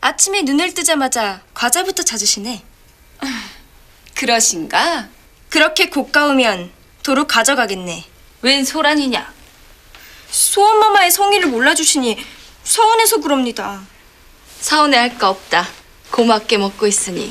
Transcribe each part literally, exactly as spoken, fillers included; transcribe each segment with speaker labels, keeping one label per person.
Speaker 1: 아침에 눈을 뜨자마자 과자부터 찾으시네.
Speaker 2: 그러신가?
Speaker 1: 그렇게 고가우면 도로 가져가겠네.
Speaker 2: 웬 소란이냐?
Speaker 1: 소원마마의 성의를 몰라주시니 서운해서 그럽니다.
Speaker 2: 서운해할 거 없다. 고맙게 먹고 있으니.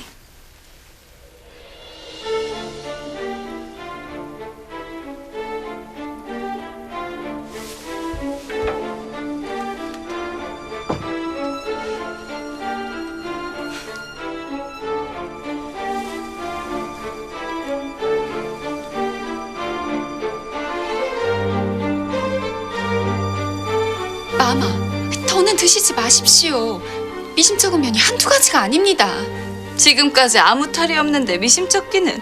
Speaker 3: 마마, 더는 드시지 마십시오. 미심쩍은 면이 한두 가지가 아닙니다.
Speaker 2: 지금까지 아무 탈이 없는데 미심쩍기는.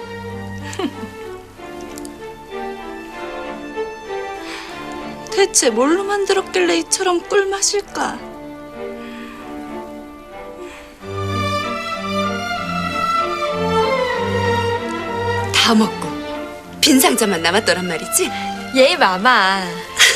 Speaker 2: 대체 뭘로 만들었길래 이처럼 꿀맛일까?
Speaker 4: 다 먹고 빈 상자만 남았더란 말이지?
Speaker 1: 예, 마마.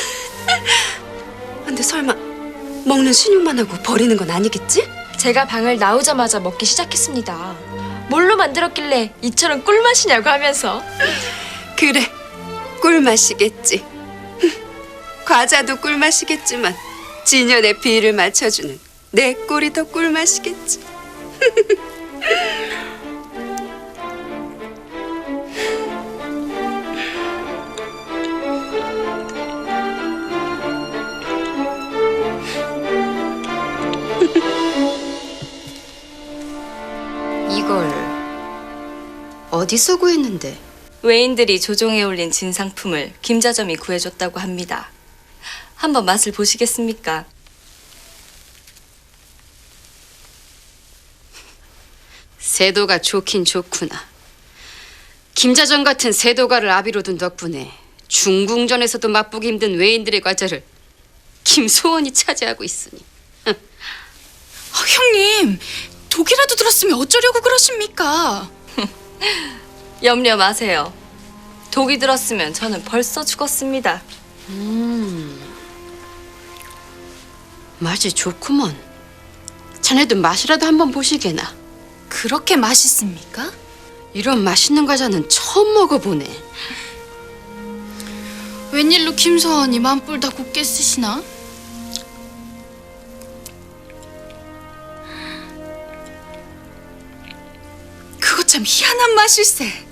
Speaker 4: 근데 설마 먹는 신용만 하고 버리는 건 아니겠지?
Speaker 1: 제가 방을 나오자마자 먹기 시작했습니다. 뭘로 만들었길래 이처럼 꿀맛이냐고 하면서.
Speaker 4: 그래, 꿀맛이겠지. 과자도 꿀맛이겠지만 진연의 비를 맞춰주는 내 꿀이 더 꿀맛이겠지.
Speaker 5: 이걸 어디서 구했는데?
Speaker 2: 외인들이 조종해 올린 진상품을 김자점이 구해줬다고 합니다. 한번 맛을 보시겠습니까?
Speaker 5: 세도가 좋긴 좋구나. 김자전 같은 세도가를 아비로 둔 덕분에 중궁전에서도 맛보기 힘든 외인들의 과자를 김소원이 차지하고 있으니.
Speaker 3: 아, 형님, 독이라도 들었으면 어쩌려고 그러십니까?
Speaker 2: 염려 마세요. 독이 들었으면 저는 벌써 죽었습니다.
Speaker 5: 음, 맛이 좋구먼. 자네도 맛이라도 한번 보시게나.
Speaker 3: 그렇게 맛있습니까?
Speaker 5: 이런 맛있는 과자는 처음 먹어보네.
Speaker 3: 웬일로 김서원이 만뿔 다 곱게 쓰시나? 그거 참 희한한 맛일세.